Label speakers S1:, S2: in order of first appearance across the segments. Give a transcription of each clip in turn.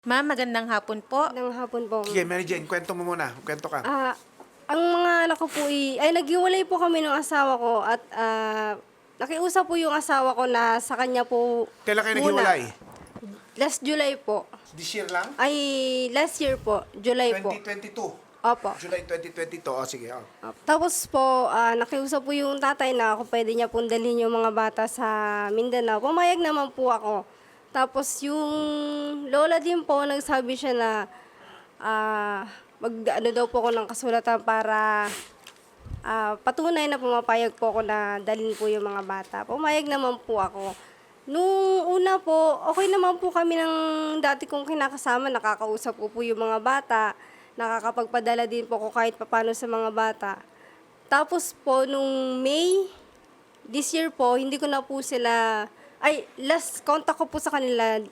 S1: Ma'am, magandang hapon po.
S2: Magandang hapon po.
S3: Sige, Mary Jane, kwento mo muna. Kwento ka.
S2: Ang mga anak ko po ay naghiwalay po kami ng asawa ko at nakiusap po yung asawa ko na sa kanya po
S3: Kailan kayo
S2: muna.
S3: naghiwalay?
S2: Last July po.
S3: This year lang?
S2: Ay, last year po. July po.
S3: 2022.
S2: Opo.
S3: July 2022. O, sige. Oh.
S2: Tapos po, nakiusap po yung tatay na ako pwede niya pong dalhin yung mga bata sa Mindanao. Pumayag naman po ako. Tapos yung lola din po, nagsabi siya na mag-ano daw po ako ng kasulatan para patunay na pumapayag po ako na dalhin po yung mga bata. Pumayag naman po ako. Nung una po, okay naman po kami ng dati kong kinakasama. Nakakausap ko po yung mga bata. Nakakapagpadala din po ako kahit papano sa mga bata. Tapos po, nung May, this year po, hindi ko na po sila... Ay, last contact ko po sa kanila,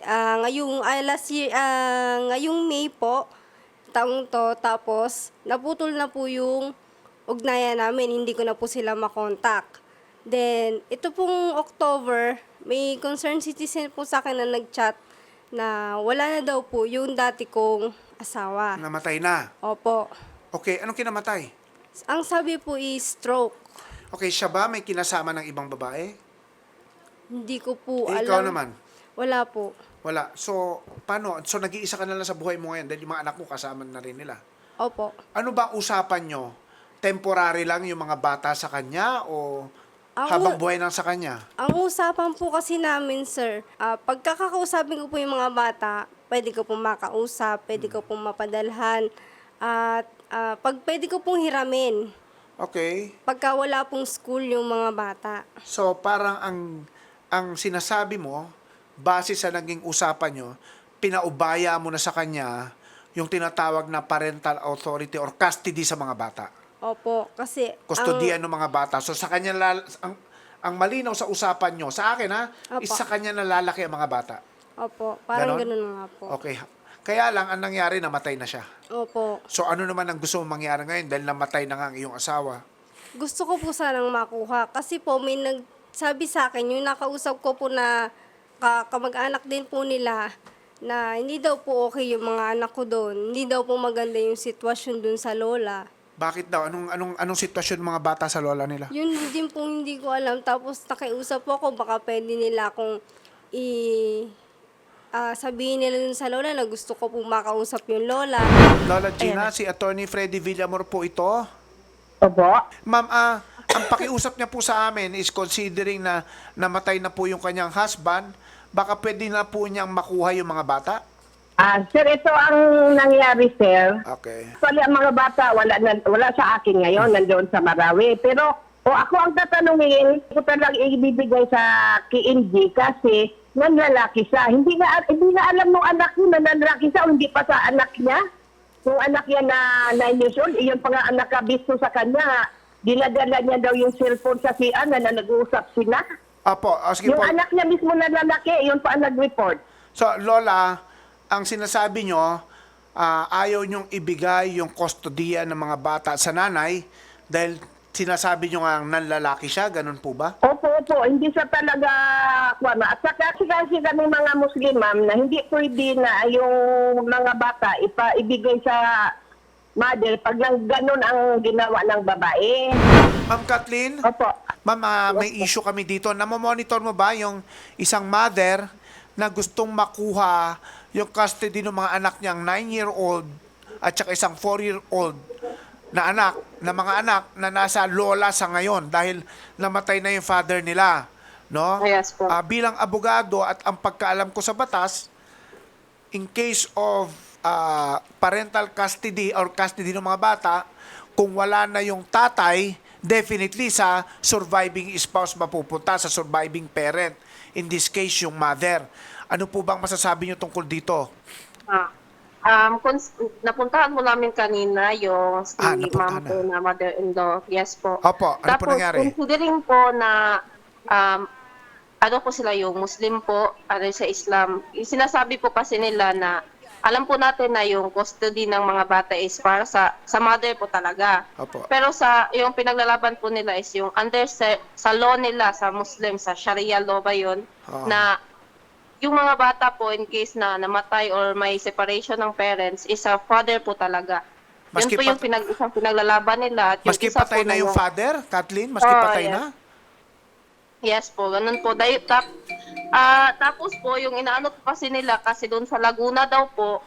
S2: ngayong May po, taong to. Tapos, naputol na po yung ugnayan namin. Hindi ko na po sila makontak. Then, ito pong October, may concerned citizen po sa akin na nag-chat na wala na daw po yung dati kong asawa.
S3: Namatay na.
S2: Opo.
S3: Okay, anong kinamatay?
S2: Ang sabi po is stroke.
S3: Okay, siya ba may kinasama ng ibang babae?
S2: Hindi ko po
S3: Eh,
S2: alam.
S3: ikaw naman?
S2: Wala po.
S3: Wala. So, paano? So, nag-iisa ka na lang sa buhay mo ngayon dahil yung mga anak mo kasama na rin nila.
S2: Opo.
S3: Ano ba usapan nyo? Temporary lang yung mga bata sa kanya o
S2: Ang
S3: habang
S2: u-
S3: buhay lang sa kanya?
S2: Ang usapan po kasi namin, sir, pagkakausapin ko po yung mga bata, pwede ko pong makausap, pwede ko pong mapadalhan, at pag pwede ko pong hiramin,
S3: Okay.
S2: pagka wala pong school yung mga bata.
S3: So, parang ang sinasabi mo, base sa naging usapan nyo, pinaubaya mo na sa kanya yung tinatawag na parental authority or custody sa mga bata.
S2: Opo, kasi
S3: Kustodiyan ng mga bata. So, sa kanya, ang malinaw sa usapan nyo, sa akin ha,
S2: Opo.
S3: is sa kanya nalalaki ang mga bata.
S2: Opo, parang
S3: Ganon?
S2: ganun nga po.
S3: Okay. Kaya lang, ang nangyari, namatay na siya.
S2: Opo.
S3: So, ano naman ang gusto mong mangyari ngayon dahil namatay na nga ang iyong asawa?
S2: Gusto ko po sanang makuha. Kasi po, may nagsabi sa akin, yung nakausap ko po na kamag-anak din po nila, na hindi daw po okay yung mga anak ko doon. Hindi daw po maganda yung sitwasyon doon sa lola.
S3: Bakit daw? Anong sitwasyon ng mga bata sa lola nila?
S2: Yun din po hindi ko alam. Tapos nakiusap po ako, baka pwede nila akong sabihin nila dun sa lola na gusto ko po makausap yung lola.
S3: Lola Gina, si Attorney Freddy Villamor po ito.
S4: Opo.
S3: Ma'am, ang pakiusap niya po sa amin is considering na namatay na po yung kanyang husband, baka pwede na po niyang makuha yung mga bata?
S4: Sir, ito ang nangyari, sir.
S3: Okay.
S4: Actually, ang mga bata, wala sa akin ngayon, nandoon sa Marawi. Pero, ako ang tatanungin, ko talagang ibibigay sa KNG kasi nanlalaki siya. Hindi nga alam ng anak niya na nanlalaki siya o hindi pa sa anak niya. Yung anak niya na 9 years old, iyon pa nga ang nakabisto sa kanya. Dinadala niya daw yung cellphone sa CR na nag-uusap sila.
S3: Apo, sige
S4: Yung
S3: po.
S4: anak niya mismo na lalaki, iyon pa ang nag-report.
S3: So, Lola, ang sinasabi nyo, ayaw nyong ibigay yung kustodiya ng mga bata sa nanay dahil sinasabi nyo nga nanlalaki siya, ganun po ba?
S4: Opo, hindi siya talaga kuwana. At saka kasi kami mga Muslim, ma'am, na hindi pwede na yung mga bata ibigay sa mother pag lang ganun ang ginawa ng babae.
S3: Ma'am Kathleen?
S4: Opo.
S3: Ma'am, may issue kami dito. Namomonitor mo ba yung isang mother na gustong makuha yung custody ng mga anak niyang 9-year-old at saka isang 4-year-old na anak, na mga anak na nasa lola sa ngayon dahil namatay na yung father nila, no?
S4: Yes po.
S3: Bilang abogado at ang pagkaalam ko sa batas, in case of parental custody or custody ng mga bata, kung wala na yung tatay, definitely sa surviving spouse mapupunta, sa surviving parent. In this case, yung mother. Ano po bang masasabi niyo tungkol dito?
S5: Napuntahan mo namin kanina yung si
S3: napuntahan
S5: ma'am po na mother-in-law. Yes po.
S3: Opo, ano po
S5: Tapos,
S3: nangyari?
S5: considering po na ano po sila yung Muslim po, ano sa Islam, yung sinasabi po kasi nila na alam po natin na yung custody ng mga bata is para sa mother po talaga.
S3: Opo.
S5: Pero yung pinaglalaban po nila is yung under sa law nila, sa Muslim, sa Sharia law ba yun, na yung mga bata po, in case na namatay or may separation ng parents, is sa father po talaga.
S3: Maski
S5: Yun po yung isang pinaglalaban nila. At yung
S3: Maski
S5: isa
S3: patay
S5: po
S3: na yung
S5: yung-
S3: father, Kathleen? Maski
S5: Oo,
S3: patay
S5: yes.
S3: na?
S5: Yes po, ganun po. Tapos po, yung inaano po kasi nila, kasi doon sa Laguna daw po,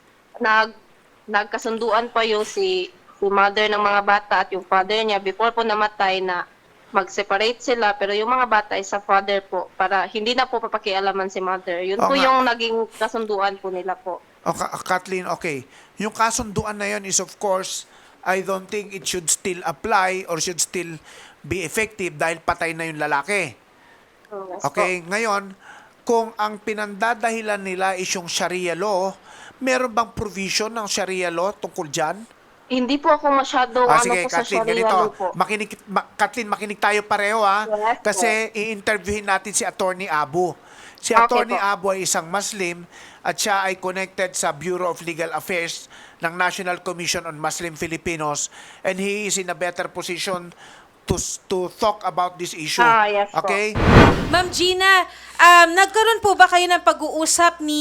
S5: nagkasunduan pa yung si mother ng mga bata at yung father niya before po namatay na mag-separate sila, pero yung mga bata ay sa father po, para hindi na po papakialaman si mother. Yun
S3: Oo
S5: po
S3: nga.
S5: yung naging kasunduan po nila po.
S3: Kathleen, okay. Yung kasunduan na yun is of course, I don't think it should still apply or should still be effective dahil patay na yung lalaki.
S5: Yes
S3: Okay, ngayon, kung ang pinandadahilan nila is yung Sharia law, meron bang provision ng Sharia law tungkol dyan?
S5: Hindi po ako masyadong
S3: Sige,
S5: po sa
S3: Kathleen,
S5: Sharia
S3: ganito.
S5: law po.
S3: Kathleen, makinig tayo pareho ha.
S5: Yes,
S3: Kasi i-interviewin natin si Attorney Abu. Si
S5: Okay
S3: Attorney
S5: po.
S3: Abu ay isang Muslim at siya ay connected sa Bureau of Legal Affairs ng National Commission on Muslim Filipinos, and he is in a better position to talk about this issue.
S5: Yes po.
S3: Okay?
S1: Ma'am Gina, nagkaroon po ba kayo ng pag-uusap ni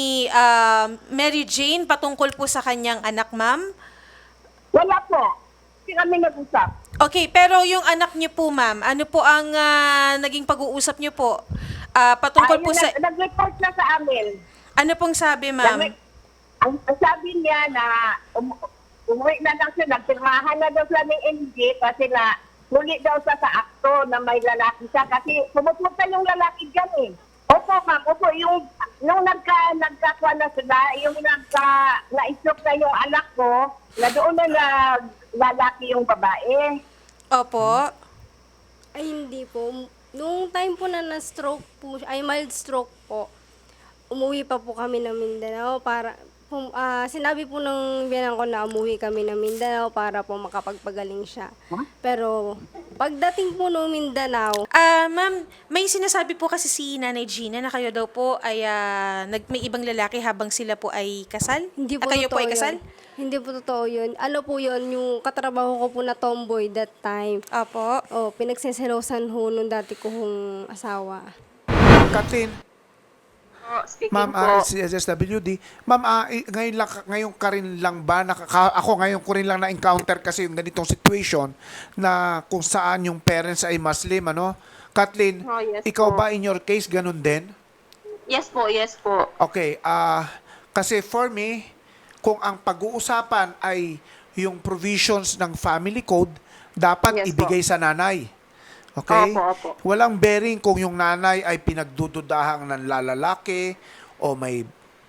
S1: Mary Jane patungkol po sa kanyang anak, ma'am?
S4: Wala po. Hindi kami nag-usap.
S1: Okay, pero yung anak niyo po, ma'am, ano po ang naging pag-uusap niyo po? Patungkol po sa...
S4: Nag-report na sa amin.
S1: Ano pong sabi, ma'am?
S4: Ang sabi niya na umuwi na lang siya, nagpirmahan na daw sila ng NG kasi na huli daw sa akto na may lalaki siya kasi pumupunta yung lalaki dyan eh. Opo ma'am, opo, yung nung nagkakuha na sila, yung na-stroke na yung anak ko, na doon na lalaki yung babae.
S1: Opo.
S2: Ay, hindi po. Nung time po na na-stroke po, ay mild stroke po, umuwi pa po kami ng Mindanao para, sinabi po ng biyanan ko na umuwi kami ng Mindanao para po makapagpagaling siya. Pero, pagdating po ng Mindanao,
S1: Ma'am, may sinasabi po kasi si Nanay Gina na kayo daw po ay may ibang lalaki habang sila po ay kasal?
S2: hindi po
S1: Kayo po
S2: totoo
S1: ay kasal?
S2: yun. Hindi po totoo yun. Ano po yun, yung katrabaho ko po na tomboy that time.
S1: Opo.
S2: Oh, pinagseselosan ho nung dati kong asawa.
S3: Kathleen,
S5: Speaking
S3: Ma'am,
S5: po,
S3: si SSWD, Ma'am, ngayon ka rin lang ba, ako ngayon ko rin lang na-encounter kasi yung ganitong situation na kung saan yung parents ay Muslim, ano? Kathleen,
S5: Oh, yes
S3: ikaw
S5: po.
S3: ba in your case ganun din?
S5: yes po, yes po.
S3: Okay, kasi for me, kung ang pag-uusapan ay yung provisions ng family code, dapat
S5: Yes
S3: ibigay sa nanay. Okay?
S5: Opo.
S3: Walang bearing kung yung nanay ay pinagdududahang ng lalaki o may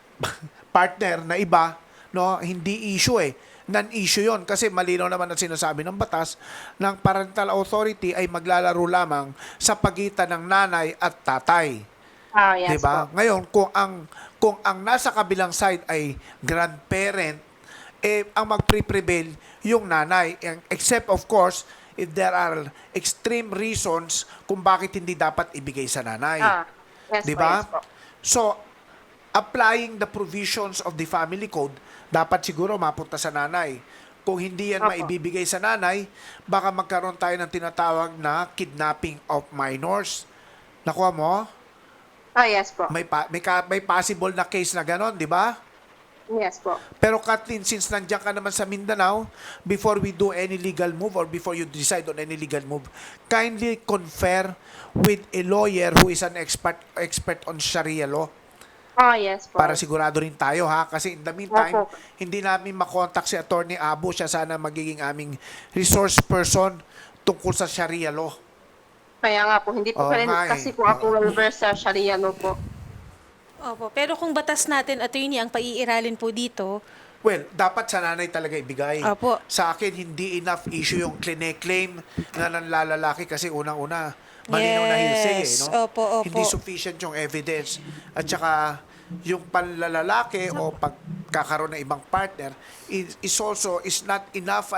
S3: partner na iba, no? Hindi issue eh. Non-issue yon kasi malinaw naman ang sinasabi ng batas ng parental authority ay maglalaro lamang sa pagitan ng nanay at tatay.
S5: Yes
S3: Diba?
S5: po.
S3: Ngayon, kung ang nasa kabilang side ay grandparent, ang magpre-prevail yung nanay. Except, of course, if there are extreme reasons kung bakit hindi dapat ibigay sa nanay.
S5: Yes
S3: Diba?
S5: po, yes po.
S3: So, applying the provisions of the family code, dapat siguro mapunta sa nanay. Kung hindi yan
S5: Opo.
S3: maibibigay sa nanay, baka magkaroon tayo ng tinatawag na kidnapping of minors. Nakuha mo?
S5: Yes po.
S3: May possible na case na ganon, di ba?
S5: Yes po.
S3: Pero Kathleen, since nandiyan ka naman sa Mindanao, before we do any legal move or before you decide on any legal move, kindly confer with a lawyer who is an expert on Sharia law
S5: Yes po.
S3: para sigurado rin tayo ha. Kasi in the meantime,
S5: Opo.
S3: hindi namin makontak si Attorney Abu. Siya sana magiging aming resource person tungkol sa Sharia law.
S5: Kaya nga po, hindi po kasi po ako well-versed sa Sharia law po.
S1: Opo. Pero kung batas natin, attorney, ang paiiralin po dito,
S3: Well, dapat sa nanay talaga ibigay.
S1: Opo.
S3: Sa akin, hindi enough issue yung claim na nanlalalaki kasi unang-una, malinaw na hearsay
S1: Yes.
S3: no?
S1: Opo.
S3: Hindi sufficient yung evidence. At saka, yung panlalalaki o pagkakaroon ng ibang partner is also not enough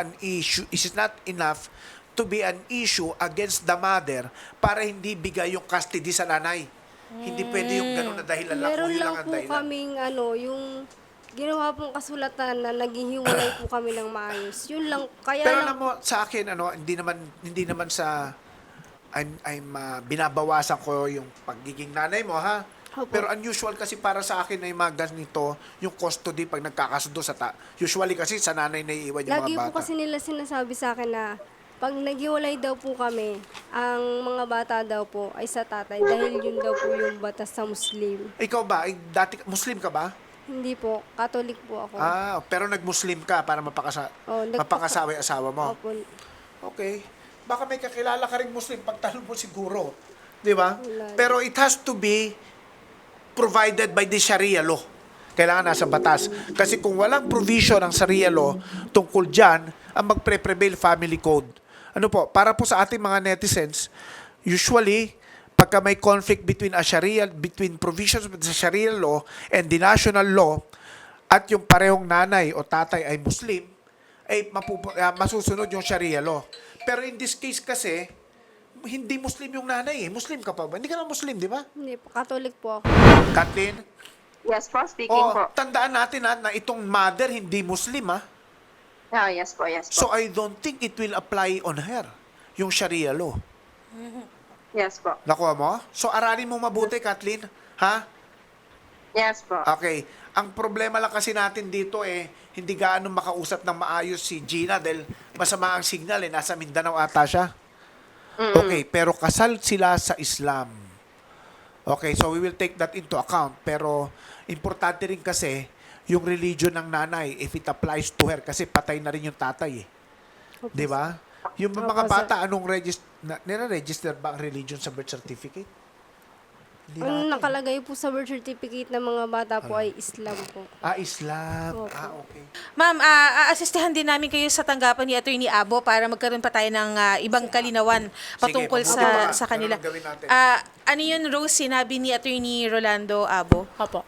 S3: to be an issue against the mother para hindi bigay yung custody sa nanay. Hindi pwede yung ganun na dahilan lang.
S2: Meron
S3: Kung yun
S2: lang
S3: ang
S2: po
S3: dahilan.
S2: kaming yung ginawa pong kasulatan na naghihiwalay po kami ng maayos. Yun lang. Kaya
S3: Pero
S2: lang,
S3: alam mo, sa akin, hindi naman sa, binabawasan ko yung pagiging nanay mo, ha?
S2: Opo.
S3: Pero unusual kasi para sa akin na yung mga ganito, yung custody pag nagkakasundo sa usually kasi sa nanay na iiwan yung
S2: Lagi
S3: mga
S2: po
S3: bata.
S2: kasi nila sinasabi sa akin na pag naghiwalay daw po kami, ang mga bata daw po ay sa tatay dahil yun daw po yung batas sa Muslim.
S3: Ikaw ba, dati Muslim ka ba?
S2: Hindi po, Catholic po ako.
S3: Pero nag-Muslim ka para mapangasawa yung asawa mo.
S2: Opo.
S3: Okay. Baka may kakilala ka rin Muslim, pagtanong mo siguro. Di ba?
S2: Wala.
S3: Pero it has to be provided by the Sharia law. Kailangan nasa batas. Kasi kung walang provision ng Sharia law tungkol dyan, ang magpre-prevail family code. Ano po, para po sa ating mga netizens, usually, pagka may conflict between provisions of the Sharia law and the national law, at yung parehong nanay o tatay ay Muslim, ay masusunod yung Sharia law. Pero in this case kasi, hindi Muslim yung nanay eh. Muslim ka pa ba? Hindi ka na Muslim, di ba?
S2: Hindi po, Catholic po ako.
S3: Kathleen?
S5: Yes po, speaking po.
S3: Tandaan natin na itong mother hindi Muslim ha.
S5: Yes po, yes po.
S3: So I don't think it will apply on her, yung Sharia law.
S5: Yes po.
S3: Nakuha mo? So aralin mo mabuti, Kathleen. Ha?
S5: Yes po.
S3: Okay. Ang problema lang kasi natin dito hindi gaano makausap ng maayos si Gina dahil masama ang signal nasa Mindanao ata siya. Okay, pero kasal sila sa Islam. Okay, so we will take that into account. Pero importante rin kasi yung religion ng nanay if it applies to her kasi patay na rin yung tatay eh. Di ba? Yung mga
S2: Opo,
S3: bata, anong nire-register ba ang religion sa birth certificate? Hindi
S2: Ang
S3: natin.
S2: nakalagay po sa birth certificate ng mga bata po ay Islam po.
S3: Islam.
S2: Opo.
S3: Okay.
S1: Ma'am, aasistihan din namin kayo sa tanggapan ni Attorney Abo para magkaroon pa tayo ng ibang kalinawan patungkol
S3: Sige, mabuti pa.
S1: sa kanila.
S3: Ganun ang gawin natin.
S1: Ano yun, Rose, sinabi ni Attorney Rolando Abo?
S6: Opo.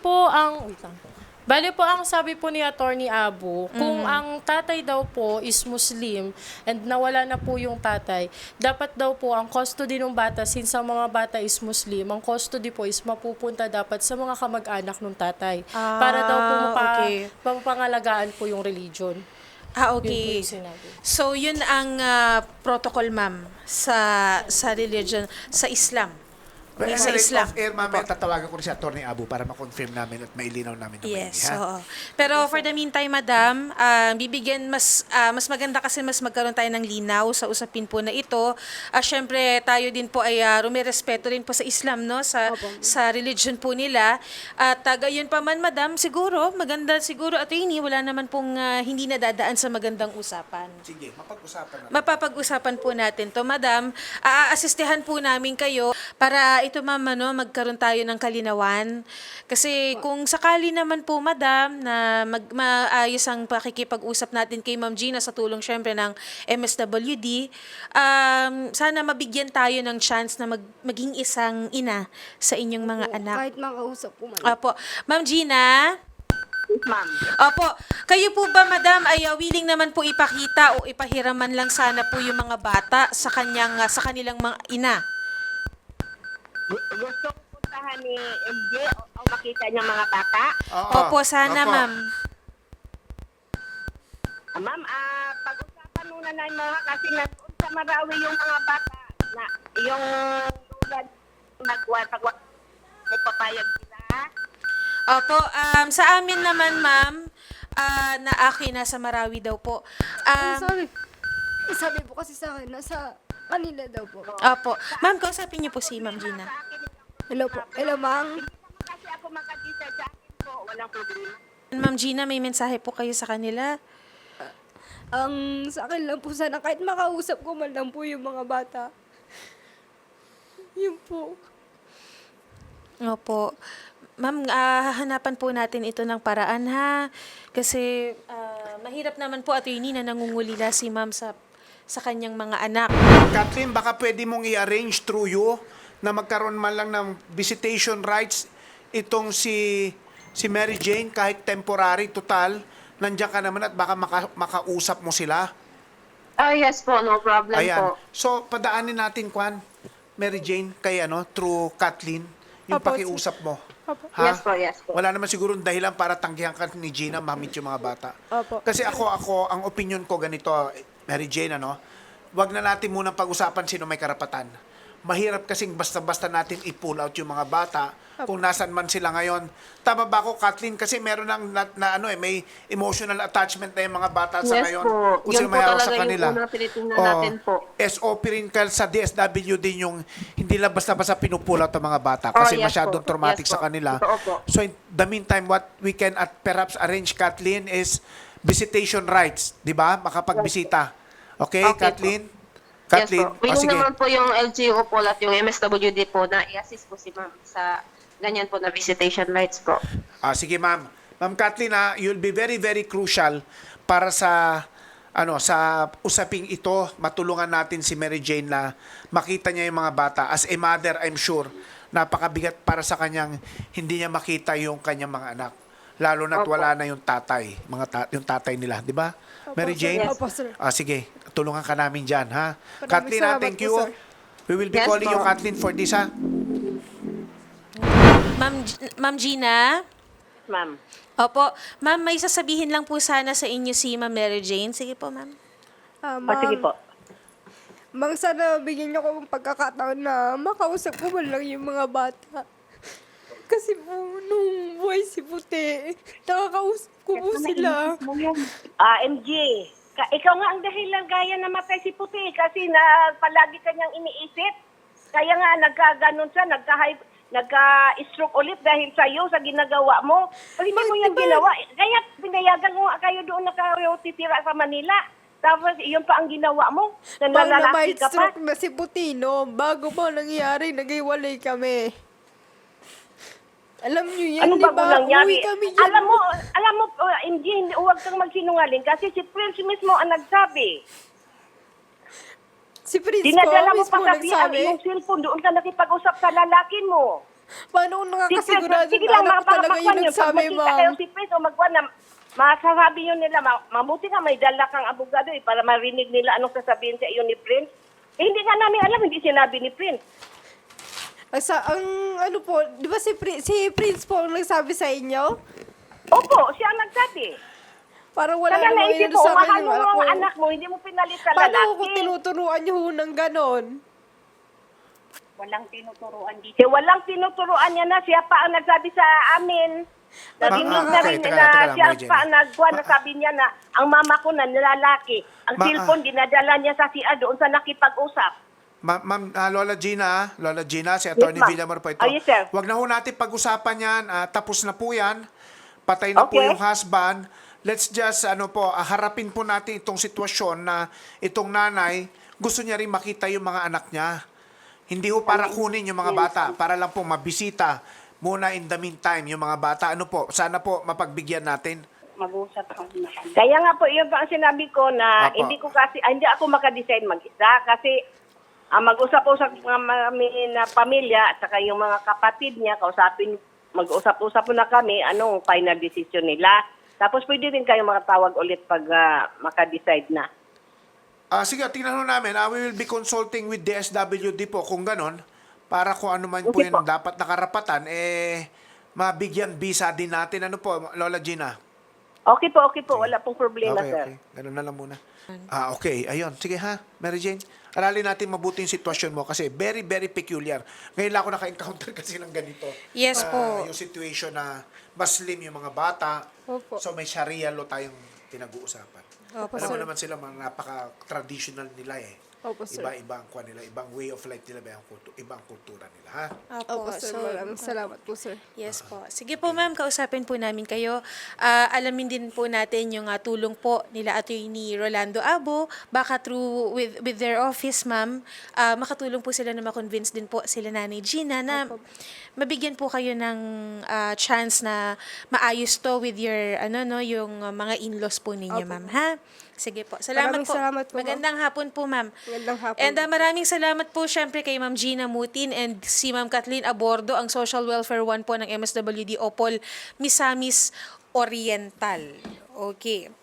S6: Bali po ang sabi po ni Attorney Abu, kung ang tatay daw po is Muslim and nawala na po yung tatay, dapat daw po ang custody ng bata, since ang mga bata is Muslim, ang custody po is mapupunta dapat sa mga kamag-anak ng tatay. Para daw po
S1: okay.
S6: mapangalagaan po yung religion. Yun po
S1: Okay.
S6: yung sinabi.
S1: So, yun ang protocol, ma'am, sa religion, sa Islam.
S3: Well,
S1: Sa
S3: anyway,
S1: Islam.
S3: off-air, mamaya tatawagan ko rin si Atty. Abu para ma-confirm namin at mailinaw namin na
S1: Yes,
S3: maigi, ha?
S1: oo. Pero for the meantime, madam, bibigyan mas maganda kasi mas magkaroon tayo ng linaw sa usapin po na ito. Syempre, tayo din po ay rumirespeto rin po sa Islam, no? Sa religion po nila. At gayon pa man, madam, siguro, maganda siguro, attorney, wala naman pong hindi nadadaan sa magandang usapan.
S3: Sige, mapag-usapan natin.
S1: Mapapag-usapan po natin to, madam. Aasistihan po namin kayo para ito, ma'am, magkaroon tayo ng kalinawan. Kasi kung sakali naman po, madam, na maayos ang pakikipag-usap natin kay Ma'am Gina sa tulong syempre ng MSWD, sana mabigyan tayo ng chance na maging isang ina sa inyong mga anak.
S2: Kahit makausap po man.
S1: Opo. Ma'am Gina?
S4: Yes, ma'am.
S1: Opo. Kayo po ba, madam, ay willing naman po ipakita o ipahiraman lang sana po yung mga bata sa kanilang mga ina?
S4: Gusto ko puntahan ni MJ o makita niya mga bata.
S1: Opo, sana,
S3: Opo.
S1: ma'am.
S4: Ma'am, pag-usapan muna na yung mga kasi nandun sa Marawi yung mga bata na yung tulad may papayag sila.
S1: Opo, sa amin naman, ma'am, na akin nasa Marawi daw po.
S2: Sabi po kasi sa akin, nasa kanila daw po.
S1: Opo. Ma'am, kausapin niyo po si Ma'am Gina.
S2: Hello po. Hello, ma'am.
S4: Kasi ako makadisa sa akin po, walang problema.
S1: Ma'am Gina, may mensahe po kayo sa kanila.
S2: Ang sa akin lang po sana, kahit makausap ko man lang po yung mga bata. Yun po.
S1: Opo. Ma'am, hahanapan po natin ito ng paraan, ha? Kasi mahirap naman po, attorney, na nangungulila si ma'am sa kanyang mga anak.
S3: Kathleen, baka pwede mong i-arrange through you na magkaroon man lang ng visitation rights itong si Mary Jane kahit temporary, total. Nandiyan ka naman at baka makausap mo sila.
S5: Yes po, no problem
S3: Ayan.
S5: po.
S3: So, padaanin natin, Mary Jane, kay through Kathleen, yung
S2: Opo,
S3: pakiusap mo.
S5: Yes po, yes po.
S3: Wala naman siguro dahilan para tanggihan ka ni Gina mamit yung mga bata.
S2: Opo.
S3: Kasi ako, ang opinion ko ganito, Mary Jane, wag na natin munang pag-usapan sino may karapatan. mahirap kasing basta-basta natin i-pull out yung mga bata kung nasan man sila ngayon. Tama ba ako, Kathleen? Kasi meron may emotional attachment na yung mga bata sa
S5: Yes
S3: ngayon.
S5: po.
S3: Kung
S5: Yun
S3: sino
S5: po
S3: may hawak
S5: talaga
S3: sa
S5: yung
S3: kanila.
S5: unang tinitingnan natin po.
S3: SOP rin ka sa DSW din yung hindi lang basta-basta pinupull out ang mga bata kasi
S5: yes
S3: masyadong
S5: po.
S3: traumatic
S5: Yes
S3: sa
S5: po.
S3: kanila.
S5: Totoo po.
S3: So in the meantime, what we can perhaps arrange, Kathleen, is visitation rights, di ba? Makapagbisita. Okay,
S5: Okay
S3: Kathleen?
S5: Yes po.
S3: Oh,
S5: Willing
S3: sige.
S5: naman po yung LGU po at yung MSWD po na i-assist po si ma'am sa ganyan po na visitation rights po.
S3: Sige, ma'am. Ma'am Kathleen, you'll be very, very crucial para sa sa usaping ito. Matulungan natin si Mary Jane na makita niya yung mga bata. As a mother, I'm sure, napakabigat para sa kanyang hindi niya makita yung kanyang mga anak. Lalo na't
S5: Opo.
S3: wala na yung tatay, yung tatay nila, di ba? Mary Jane?
S2: Opo, sir.
S3: Sige, tulungan ka namin dyan, ha?
S2: Maraming
S3: Kathleen,
S2: salamat
S3: thank
S2: po,
S3: you.
S2: sir.
S3: We will be
S5: Yes,
S3: calling you,
S5: po.
S3: Kathleen, for this, ha?
S1: Ma'am Gina?
S4: Ma'am.
S1: Opo. Ma'am, may sasabihin lang po sana sa inyo si Ma'am Mary Jane. Sige po, ma'am.
S4: Sige po.
S2: Mang, sana bigyan niyo ko ng pagkakataon na makausap ko man lang yung mga bata. Kasi po, nung buhay si Puti, nakakausap ko po sila.
S4: MJ, ikaw nga ang dahilan kaya namatay si Puti kasi na palagi kanyang iniisip. Kaya nga nagkaganon siya, nagka-stroke ulit dahil sa iyo, sa ginagawa mo. Kasi hindi mo yan ginawa. Kaya pinayagan mo nga kayo doon na kayo titira sa Manila. Tapos iyon pa ang ginawa mo.
S2: Paano
S4: Nalalaki ka pa.
S2: stroke na si Puti, no? Bago pa nangyari, nag-iwalay kami. Alam niyo yan,
S4: Ano
S2: di
S4: ba
S2: ba?
S4: nangyari?
S2: Uwi kami dyan.
S4: Alam mo, MJ, huwag kang magsinungaling kasi si Prince mismo ang nagsabi.
S2: Si Prince
S4: Dinadala
S2: po
S4: mo
S2: mismo
S4: pa kasi ang
S2: nagsabi.
S4: iyong cellphone doon ka nakipag-usap sa lalaki mo.
S2: Paano kung nakakasigurado
S4: Sige
S2: na
S4: lang,
S2: anak ko talaga yung
S4: Pag
S2: nagsabi,
S4: makita kayo
S2: ma'am?
S4: si Prince o magwa na masasabi yun nila, mabuti nga may dala kang abogado para marinig nila anong sasabihin sa iyo ni Prince. Hindi nga namin alam, hindi sinabi ni Prince.
S2: Ano po, di ba si Prince po ang nagsabi sa inyo?
S4: Opo, siya ang nagsabi.
S2: Parang wala
S4: Kaya
S2: namang
S4: naisip
S2: yun
S4: mo,
S2: sa akin
S4: mahal
S2: yung
S4: mo
S2: anak ko.
S4: ang anak mo, hindi mo pinalit sa
S2: Paano
S4: lalaki.
S2: ko tinuturuan niyo ho ng ganon?
S4: Walang tinuturuan dito. Walang tinuturuan niya na siya pa ang nagsabi sa amin. Narinig na
S3: okay,
S4: rin
S3: teka
S4: na
S3: lang,
S4: siya
S3: Mary Jane.
S4: pa ang nagwa na sabi niya na ang mama ko na nilalaki. Ang
S3: Ma-
S4: cellphone dinadala niya sa CR doon sa nakipag-usap.
S3: Ma'am, Lola Gina, si Atty.
S4: ma'am.
S3: Villamor po ito.
S4: Yes, sir.
S3: Huwag na ho natin pag-usapan yan. Tapos na po yan. Patay na po
S4: Okay.
S3: yung husband. Let's just, harapin po natin itong sitwasyon na itong nanay, gusto niya rin makita yung mga anak niya. Hindi ho para kunin yung mga bata, para lang po mabisita muna in the meantime yung mga bata. Sana po mapagbigyan natin.
S4: Mag-usap kami. Kaya nga po, yun pa ang sinabi ko na
S3: Apo.
S4: hindi ako makadesign mag-isa kasi mag-usap po sa mga na pamilya at saka yung mga kapatid niya, mag-usap-usap po na kami, anong final decision nila. Tapos pwede rin kayo makatawag ulit pag maka-decide na.
S3: Sige, tingnan ho namin. We will be consulting with DSWD po kung ganon, para kung ano man po
S4: Okay
S3: yung
S4: po.
S3: dapat nakarapatan, mabigyan visa din natin. Ano po, Lola Gina?
S4: Okay po. Wala pong problema, sir.
S3: Okay. Ganun na lang muna. Okay. Ayun. Sige ha, Mary Jane. Aralin natin mabuti yung sitwasyon mo kasi very, very peculiar. Ngayon lang ako naka-encounter kasi ng ganito.
S1: Yes po.
S3: Yung situation na mas slim yung mga bata.
S2: Opo.
S3: So may Sharia law tayong pinag-uusapan.
S2: Opo,
S3: Alam mo
S2: sir.
S3: naman sila, mga napaka-traditional nila eh.
S2: Opo, sir.
S3: Iba-iba ang kuha nila, ibang way of life nila, ibang kultura nila, ha?
S2: Opo, sir. Maraming salamat po, sir.
S1: Yes po. Sige po ma'am, kausapin po namin kayo. Alamin din po natin yung tulong po nila Attorney Rolando Abo. Baka through with their office ma'am, makatulong po sila na makonvince din po sila Nanay Gina na mabigyan po kayo ng chance na maayos to with your yung mga in-laws po ninyo ma'am, ha? Sige po. Salamat
S2: Maraming
S1: po.
S2: salamat po, ma'am.
S1: Magandang hapon po ma'am.
S2: Magandang hapon.
S1: And maraming salamat po syempre kay Ma'am Gina Mutin and si Ma'am Kathleen Abordo, ang Social Welfare 1 po ng MSWD Opol Misamis Oriental. Okay.